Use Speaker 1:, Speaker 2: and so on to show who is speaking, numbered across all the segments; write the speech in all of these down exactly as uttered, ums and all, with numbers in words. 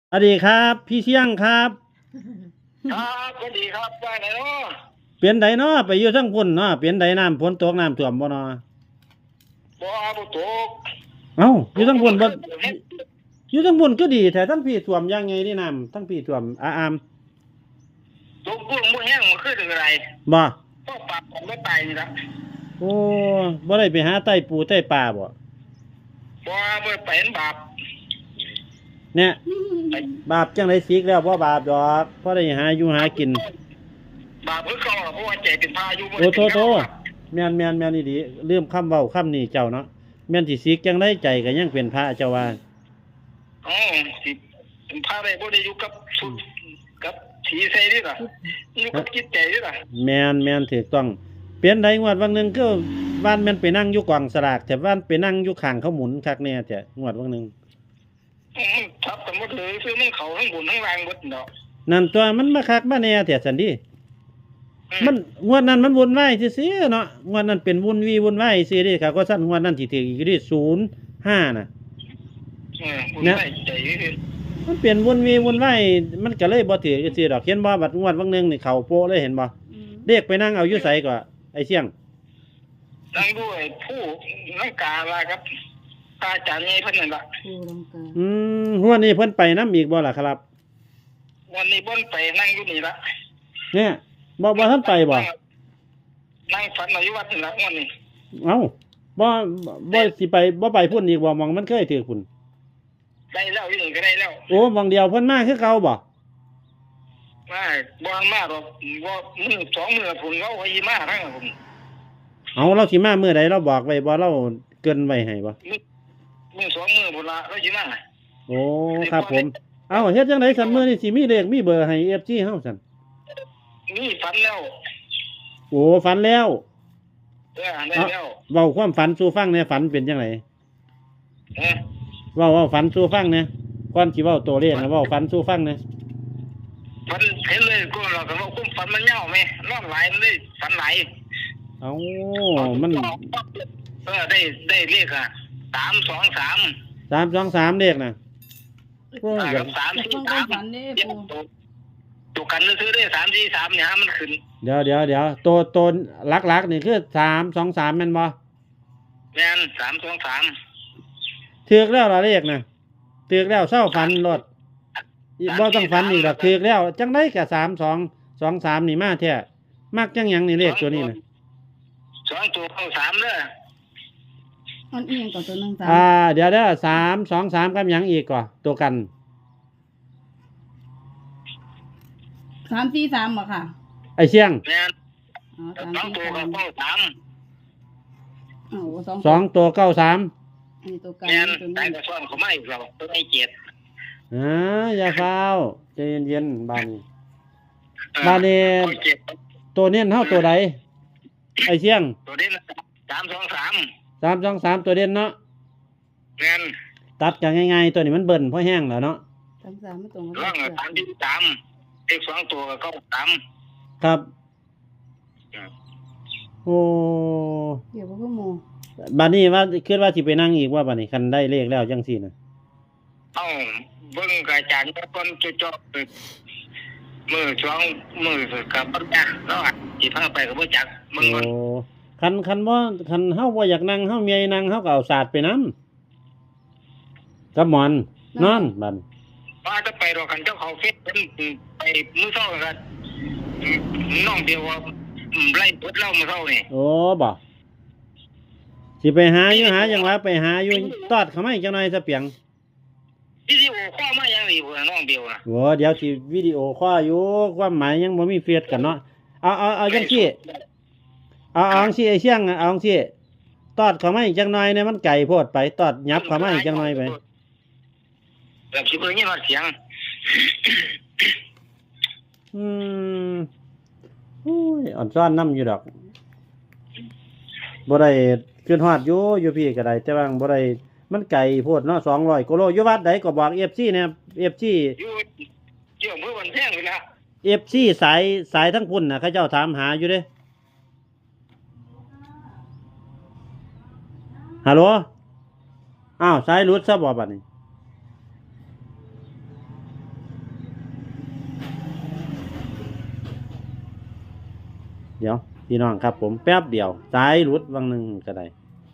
Speaker 1: สวัสดีครับพี่เชียงครับ
Speaker 2: ครับสวัสดีครับว่าไงเนาะ
Speaker 1: เปลี่ยนใดเนาะไปอยู่ทั้งพุ่นเนาะเปลี่ยนใดน้ำฝนตกน้ำท่วมบ่เนาะ
Speaker 2: บ่บ่ตก
Speaker 1: เอ้าอ
Speaker 2: ตก
Speaker 1: ยู่ทั้งพุ่นบ่
Speaker 2: มันขึ้นเฮ็ด
Speaker 1: อยู่ทั้งพุ่นก็ดีแต่ทั้งพี่ท่วมยังไงนี่น้ำทั้งพี่ท่วมอาอาม
Speaker 2: ตกบุ้งบ่แห้งมันขึ้นอะไร
Speaker 1: บ่
Speaker 2: ก็ปากผมไม่ตายนี่ละ
Speaker 1: โอ้บ่ได้ไปหาไต้ปูไต้ปลาบ่
Speaker 2: บ่บ่ไปเห็นบาป
Speaker 1: เนี่ย
Speaker 2: ไป
Speaker 1: บาปจังได๋สิกแล้วบ่บาปดอกพอได้หาอยู่หากิน
Speaker 2: บาปเพิ่นเขาเพราะว่าใจเป็นพายุบ่
Speaker 1: โอ้
Speaker 2: ได้
Speaker 1: โตโต
Speaker 2: เป็นเขา
Speaker 1: แม่นแม่นแม่นอีหลีลืมคำเว้าคำนี้เจ้าเนาะแม่นสิสิกจังได๋ใจก็ยังเป็นพระเจ้าว่า
Speaker 2: อ๋อสิเป็นพาได้บ่ได้อยู่กับสุดกับสีใส่นี่ล่ะอยู่กับจิตใจนี่ล่ะ
Speaker 1: แม่นแม่นถูกต้องเปลี่ยนใดงวดวันหนึงคือบ้านแม่นไปนั่งอยู่กองสลากแต่บ้านไปนั่งอยู่ข้างเขาหมุนคักแน่แต่งวดวันหนึง
Speaker 2: อืมทับกันหมดเลยคือมันเขาทั้งบนทั้งล่างหมดเนาะ
Speaker 1: นั่นตัวมันมาคักมาแน่แต่สันดีมันงวดนั้นมันวุ่นวายซื่อๆเนาะงวดนั้นเป็นวุ่นวีวุ่นวายซื่อเดิครับก็สั้นงวดนั้นสิถืออีกที่ศูนย์ห้าน่ะ
Speaker 2: เออบุญได้ใจคือ
Speaker 1: มันเป็นวุ่นวีวุ่นวายมันก็เลยบ่ถือซื่อดอกเห็นบ่บัดงวดวันหนึงนี่เข้าโปะเลยเห็นบ่เรียกไปนั่งเอาอยู่ไสก็ไอ้เสี่ยง
Speaker 2: นั่งด้วยผู้นังกาลาครับตาจารย์ใหญ่เพิ่นนั่นล่ะ
Speaker 3: ผู้ลังกา
Speaker 1: อืมหัวนี้เพิ่นไปนำอีกบ่ล่ะครับ
Speaker 2: วันนี้บ่นไปนั่งอยู่นี่ละ
Speaker 1: เนี่ยบ่บ่ทันไปบ่
Speaker 2: นั่งฝันอยู่วัดนี่ละวันนี้
Speaker 1: เอ้าบ่บ่สิไปบ่ไปพุ่นอีกบ่หม่องมันเคยถือพุ่น
Speaker 2: ได้แล้วอยู่นี่ก็ได้แล้ว
Speaker 1: โอ้หม่องเดียวเพิ่นมาคือเก่าบ่
Speaker 2: มาบ่มาหรอกบ่มื้อสองมื้อพุ่นเขาไว้มาทั้งผม
Speaker 1: เอาเราสิมามื้อใดเราบอกไว้บ่เราเกินไว้ให้บ่
Speaker 2: มื้อมื้อสองมื้อพุ่นละแล้วสิมา
Speaker 1: โอ้ครับผมเอาเฮ็ดจังได๋ซั่นมื้อนี้สิมีเลขมีเบอร์ให้ เอฟ ซี เฮาซั่น
Speaker 2: มีฝันแล้ว
Speaker 1: โอ้ฝันแล้ว
Speaker 2: เออได้แล้ว
Speaker 1: เว้าความฝันสู่ฟังแหน่ฝันเป็นจังได
Speaker 2: เออ
Speaker 1: เว้าเว้าฝันสู่ฟังแหน่ก่อนสิเว้าตัวเลขนะเว้าฝันสู่ฟังแหน่
Speaker 2: ฝันเห็นเลยก็เราก็ว่าคุ้มฝันมันยาวแม่นอนหลายมันเลยฝันหลาย
Speaker 1: เอ้ามัน
Speaker 2: เออได้ได้เลขอ่ะสามสองสาม
Speaker 1: สาม สอง สามเลขน่ะโอ้ย
Speaker 2: กับสามสี่สามตัวตัวกันซื้อได้สามสี่สามเนี่ยมันขึ้น
Speaker 1: เดี๋ยวเดี๋ยวเดี๋ยวตัวตัวหลักๆนี่คือสาม สอง สามแม่นบ่
Speaker 2: แม่นสามสองสาม
Speaker 1: ถูกแล้วล่ะเลขน่ะถูกแล้วเช้าฝันรถบ่ต้องฝันอีกดอกถูกแล้วจังได๋ก็สาม สอง สอง สามนี่มาแท้มักจังหยังนี่เลขตัวนี้น่ะ
Speaker 2: สองตัวเข้าสามเด้อ
Speaker 3: อันเอียงกับตัวหนึ่งสาม
Speaker 1: อ่าเดี๋ยวเด้อสาม สอง สามกับหยังอีกก่อตัวกัน
Speaker 3: สามสี่สามบ่ค่ะ
Speaker 1: ไอ้เชียง
Speaker 2: แม่น
Speaker 3: อ๋อสาม
Speaker 2: สอง
Speaker 3: สี่
Speaker 2: ตัว
Speaker 3: สาม
Speaker 2: เข้าสาม
Speaker 3: อ๋อสอง
Speaker 1: สองตัวเก้าสาม
Speaker 3: อันนี้ตัวกัน
Speaker 2: แม่น
Speaker 3: ตัว
Speaker 2: ได้
Speaker 3: นี้
Speaker 2: กระซ่อนเขาไม่เราตัวไม่เจ็ด
Speaker 1: อ่าอย่าฟ้าวใจเย็นๆบานนี้บานนี้ตัวเน้นเท่าตัวใดไอ้เชียง
Speaker 2: ตัวเด่นสามสองสาม
Speaker 1: สาม สอง สามตัวเด่นเนาะ
Speaker 2: แม่น
Speaker 1: ตัดกันง่ายๆตัวนี้มันเบิ่นเพราะแห้งแล้วเนาะ
Speaker 3: สามสามไม่ตรงกับ
Speaker 2: ร่องสามที่สามเลขสองตัวก็สาม
Speaker 1: ครับโอ้
Speaker 3: เดี๋ยวพวกโม
Speaker 1: บานนี้ว่าคิดว่าสิไปนั่งอีกว่าบานนี้คันได้เลขแล้วจังซี่น่ะ
Speaker 2: เอ้าเบิ่งกระจายก่อนจะจบมือช่วงมือกับปัญญาแล้วอ่ะสิพาไปกับบ่จักมึงก่อน
Speaker 1: โอ้คันคันบ่คันเฮาบ่อยากนั่งเฮาเมียนั่งเฮาก็เอาศาสตร์ไปนำกับหมอนนอนบัด
Speaker 2: ว่าจะไปรอกันเจ้าเขาเฟซไปมื้อเช้ากันน้องเดียวว่าไล่ปดเล่ามื้อเช้านี่
Speaker 1: โอ้บ่สิไปหาอยู่หาจังหวะไปหาอยู่ตอดเข้ามาอีกจังหน่อยซะเปียง
Speaker 2: วิดีโอคอลมายังนี่พุ่นน้องเดียวน่ะ
Speaker 1: โอ้เดี๋ยวสิวิดีโอคอลอยู่ความหมายยังบ่มีเฟซกันเนาะเอาเอาเอาจังซี่เอาเอาจังซี่ไอ้เชียงเอาจังซี่ตอดเข้ามาอีกจังหน่อยเนี่ยมันไกลโพดไปตอดยับเข้ามาอีกจังหน่อยไป
Speaker 2: แบบสิเบิ่งยินว่าเสียง
Speaker 1: อืมโอ้ยอ่อนซ้อนนำอยู่ดอกบ่ได้ขึ้นฮอดอยู่อยู่พี่ก็ได้แต่ว่าบ่ได้มันไกลโพดเนาะสองร้อยกิโลอยู่วัดใดก็บอก เอฟ ซี เนี่ย เอฟ ซี
Speaker 2: อยู่อยู่อำเภอบันแพงนี่ล่ะ
Speaker 1: เอฟ ซี สายสายทั้งพุ่นน่ะเขาเจ้าถามหาอยู่เด้ฮัลโหลอ้าวสายหลุดซะบ่บัดนี้เดี๋ยวพี่น้องครับผมแป๊บเดียวสายหลุดวังหนึงก็ได้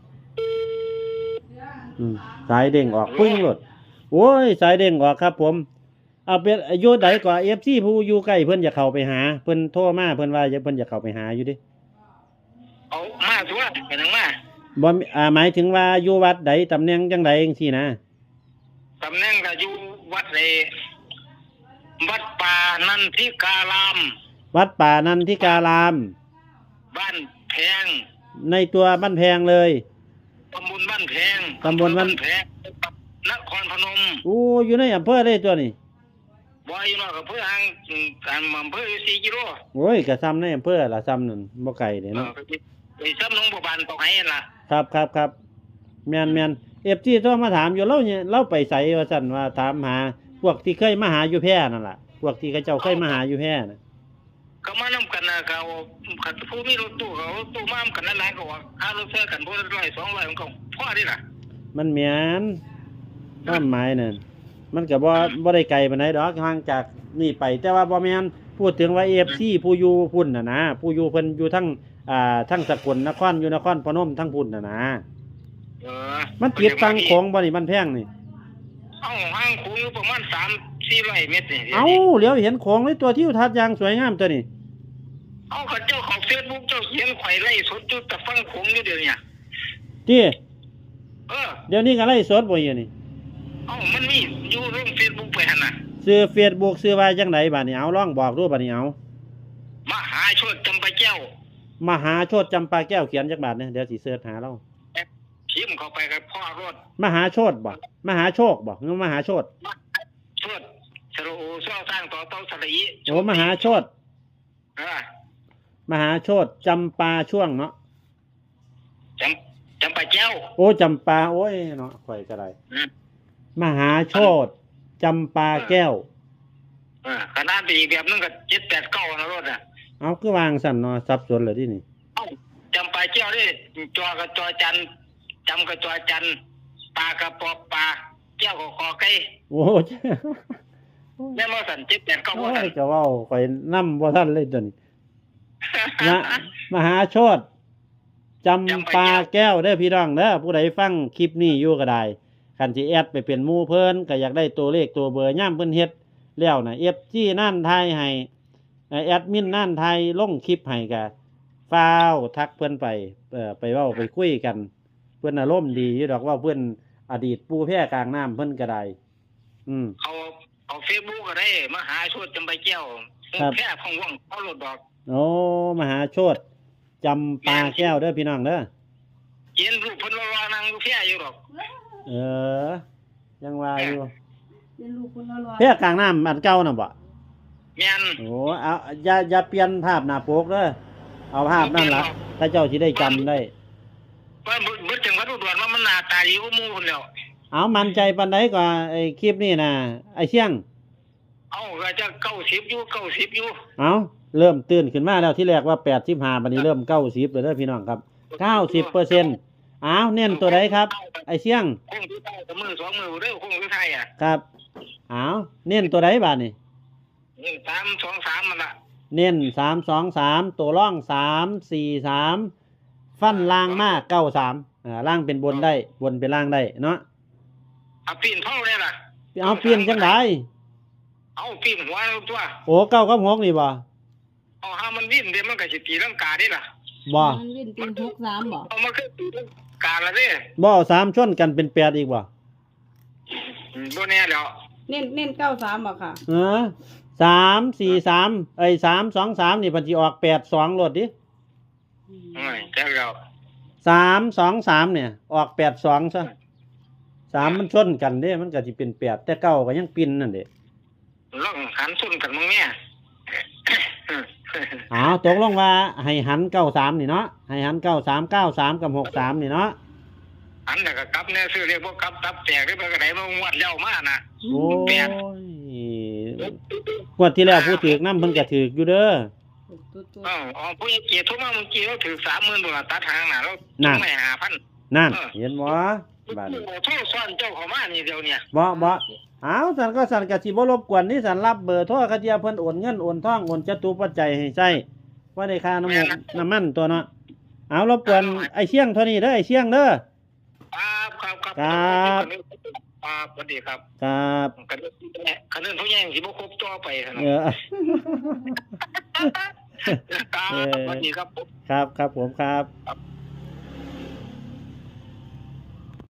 Speaker 1: อืมสายเด้งออกปึ้งหลุดโอ้ยสายเด้งออกครับผมเอาเป็นอายุใดกว่า เอฟ ซี ผู้อยู่ใกล้เพิ่นจะเข้าไปหาเพิ่นโทรมาเพิ่นว่าเพิ่นจะเข้าไปหาอยู่ดิ
Speaker 2: เอามาสัวเป็นหยังมา
Speaker 1: บ่มีอ่าหมายถึงว่าอยู่วัดใดตำแหน่งจังไดจังซี่นะ
Speaker 2: ตำแหน่งก็อยู่วัดเลยวัดป่านันทิการาม
Speaker 1: วัดป่านันทิการาม
Speaker 2: บ้านแพง
Speaker 1: ในตัวบ้านแพงเลย
Speaker 2: ตำบลบ้านแพง
Speaker 1: ตำบลบ้าน
Speaker 2: แพงนครพนม
Speaker 1: อู้อยู่ในอำเภอเลยตัวนี้
Speaker 2: บ่อยู่นอกกับเพื่อห่างการอำเภออยู่สี่กิโล
Speaker 1: โอ้ยก็ซ้ำในอำเภอล่ะซ้ำนั่นบ่ไกลเด้
Speaker 2: เออ
Speaker 1: เนาะ
Speaker 2: ไปซ้ำหนองบัวบานตกไหนั่นล่ะ
Speaker 1: ครับครับครับแม่นแม่น เอฟ ซี โทรมาถามอยู่เราเนี่ยเราไปไสว่าซั่นว่าถามหาพวกที่เคยมาหาอยู่แพร่นั่นล่ะพวกที่เขาเจ้าเคยมาหาอยู่แพร่น่ะ
Speaker 2: ก็มานำกันนะเขาขัดผู้มีรถตู้เขารถตู้มานำกันหลายๆก็ว่าค่ารถเสื้อกันผู้ละร้อยสองร้อยมันก็พอดีล่ะ
Speaker 1: มันแม่นความหมายนั่นมันก็บ่บ่ได้ไกลปานใดดอกห่างจากนี่ไป แต่ว่าบ่แม่นพูดถึงว่า เอฟ ซี ผู้อยู่พุ่นน่ะนะผู้อยู่เพิ่นอยู่ทั้งอ่าทั้งสกลนครอยู่นครพนมทั้งพุ่นน่ะนะ
Speaker 2: เออ
Speaker 1: มันติดฟังของบ่นี่มันแพงนี่
Speaker 2: เอ้าห่างคูอยู่ประมาณสามสี่ร้อยเมตรนี่
Speaker 1: เอ้าเหลียวเห็นของในตัวที่ทัดอย่างสวยงามตัวนี้
Speaker 2: เอ้าเขาเจ้าของ Facebook เจ้าเขียนไขว่ไล่สดจุดแต่ฟังคงอยู่เดี๋ยวนี้
Speaker 1: ที่
Speaker 2: เออ
Speaker 1: เดี๋ยวนี้ก็ไล่สดบ่อยู่นี่
Speaker 2: เอ้ามันมีอยู่ลง Facebook ไปหั่นน่ะ
Speaker 1: ซื้อ Facebook ซื้อว่าจังไดบัดนี้เอาลองบอกดูบัดนี้เอา
Speaker 2: มหาโชติจำปาแก้ว
Speaker 1: มหาโชตจำปาแก้วเขียนจักบาทเนี่ยเดี๋ยวสิเสิร์ชหาเรา
Speaker 2: พิมพ์เข้าไปกับพ่อรถ
Speaker 1: มหาโชตบ่มหาโชคบ่หรือมหาโชต
Speaker 2: โชติสระโอซ้อสร้างต่อเต้าสระอี
Speaker 1: โอ้มหาโชต
Speaker 2: เออ
Speaker 1: มหาโชตจำปาช่วงเนาะ
Speaker 2: จำจำปาแก้ว
Speaker 1: โอ้จำปาโอ้ยเนาะข่อยก็ได้
Speaker 2: อืม
Speaker 1: มหาโชตจำปาแก้ว
Speaker 2: เออขนาดอีกแบบนึงก็เจ็ดแปดเก้านะรถอ่ะ
Speaker 1: เอาคือวางสั่นเนาะสับสนเลยที่นี่
Speaker 2: เอ้าจำปาแก้วนี่จอกับจอจันจำกับจอจันปากับปอปลาแก้วกับคอไก่
Speaker 1: โอ้
Speaker 2: แม่นบ่สั่นเจ็ดแปดเก้าบ่
Speaker 1: โอ้
Speaker 2: สั่
Speaker 1: ย
Speaker 2: น
Speaker 1: ก็เว้าข่อยนำบ่ทันเลยตัวนี้นะมหาโชตจำปาแก้วเด้อพี่น้องเด้อผู้ใดฟังคลิปนี้อยู่ก็ได้คันสิแอดไปเป็นหมู่เพิ่นก็อยากได้ตัวเลขตัวเบอร์ย่ามเพิ่นเฮ็ดแล้วน่ะ เอฟ ซี นั่นทายให้แอดมินนั่นทายลงคลิปให้ก็ฟ้าวทักเพิ่นไปเอ่อไปเว้าไปคุยกันเพิ่นอารมณ์ดีอยู่ดอกว่าเพิ่นอดีตปูแพร่กลางน้ำเพิ่นก็ได้อืม
Speaker 2: เอาเอา Facebook ก็ได้มหาโชติจำปาแก้ว
Speaker 1: ครับ
Speaker 2: แค่พองว่องเอารถดอก
Speaker 1: โอ้มหาโชตจำปาแก้วเด้อพี่น้องเด้อ
Speaker 2: เขียนรูปเพิ่นรอๆนั่งอยู่แค่อยู่ดอก
Speaker 1: เออ ยังว่าอยู่
Speaker 3: เป็นลูกคนละร้อย
Speaker 1: แพร่กลางน้ำอันเก่าน่ะบ่
Speaker 2: แม่น
Speaker 1: โอ้เอาอย่าอย่าเปลี่ยนภาพหน้าปกเด้อเอาภาพนั่นล่ะถ้าเจ้าสิได้จำได้
Speaker 2: ว่าบ่บ่ถึงวัดอุดรว่ามันหน้าตาดีกว่าหมู่พุ่นแล้ว
Speaker 1: เอามั่นใจปานใดกว่าไอ้คลิปนี่น่ะไอ้เชียง
Speaker 2: เอ้าก็จะเก้าสิบอยู่เก้าสิบอยู่
Speaker 1: เอาเริ่มตื่นขึ้นมาแล้วที่แรกว่าแปดสิบห้าบัดนี้เริ่มเก้าสิบแล้วเด้อพี่น้องครับเก้าสิบเปอร์เซ็นต์เอาเน้นตัวใดครับ ไอ้เชียง
Speaker 2: คงที่ใต้กับมือสองมือเด้อคงที่ไทยอ่ะ
Speaker 1: ครับเอาเน้นตัวใดบาดนี่
Speaker 2: นี่สามสองสามมันล่ะ
Speaker 1: เน้นสามสองสามตัวร่องสามสี่สามฟันล่างมากเก้าสามอ่าล่างเป็นบนได้บนเป็นล่างได้เนาะ
Speaker 2: เอาปีนเท่าเลยล่ะ
Speaker 1: เอาเปลี่ยนจังได
Speaker 2: เอาปีนหัวตัว
Speaker 1: โอ้เก้ากับหกนี่บ่
Speaker 2: เอาหามันวิ่นเดี๋ยวมันก็สิตีลังกาได้ล่ะ
Speaker 1: บ่
Speaker 3: มันเว้นเป็นหกสามบ่
Speaker 2: เอามาคือตีลังกาละเด้
Speaker 1: บ่เอาสามชนกันเป็นแปดอีกบ่
Speaker 2: อืมบ่แน่แล้ว
Speaker 3: เน้นเน้นเก้าสามบ่ค่ะ
Speaker 1: เออสามสี่สามไอ้สามสองสามนี่เพันจีออกแปดสองรถดิ
Speaker 2: เอ้ยแจ้งแล้ว
Speaker 1: สามสองสามเนี่ย ออกแปดสองซะสามมันชนกันเด้มันก็สิเป็นแปดแต่เก้าก็ยังปินนั่นเด้
Speaker 2: ลองหันซุนกันมึงเนี่ย
Speaker 1: อ๋อตกลงว่าให้หันเก้าสามนี่เนาะให้หันเก้าสามเก้าสามกับหกสามนี่เนาะ
Speaker 2: อันน่ะก็กลับแน่ซื้อเรียกบ่กลับตับแตกได้ไปก็ได้มางวดแล้วมาน่ะ
Speaker 1: โอ้ย
Speaker 2: แปด
Speaker 1: งวดที่แล้วผู้ถือกน้ำเพิ่นก็ถือกอยู่เด้อ
Speaker 3: ตุ๊ดตุ๊ด
Speaker 2: เอ้าอ๋อผู้ใหญ่เกียรติโทุกมาเมื่อกี้เราถือสามหมื่นบาทตัดหางน่ะแล้ว
Speaker 1: น่ะ
Speaker 2: ไม่หาพัน
Speaker 1: นั่นเห็นบ่บาดนี้
Speaker 2: โทษซ้อนเจ้าเขามานี่เดียวเนี่ย
Speaker 1: บ่บ่อ้าวสันก็สันก็สิบ่รบกวนนี่สันรับเบอร์โทรเขาเทียเพิ่นโอนเงินโอนทองโอนจตุปัจจัยให้ใช้ว่าได้ค่าน้ำมันน้ำมันตัวเนาะเอารบกวนไอ้เชียงเท่านี้เด้อไอ้เชียงเด้อ
Speaker 2: ครับครับครับ
Speaker 1: ครับ
Speaker 2: ครับสวัสดีครับ
Speaker 1: ครับ
Speaker 2: คันคันนั้นเขาแย่งสิบ่ครบจ่อไปขนาด
Speaker 1: เออ
Speaker 2: ครับสวัสดีครับผม
Speaker 1: ครับครับผมครับ
Speaker 2: ครับ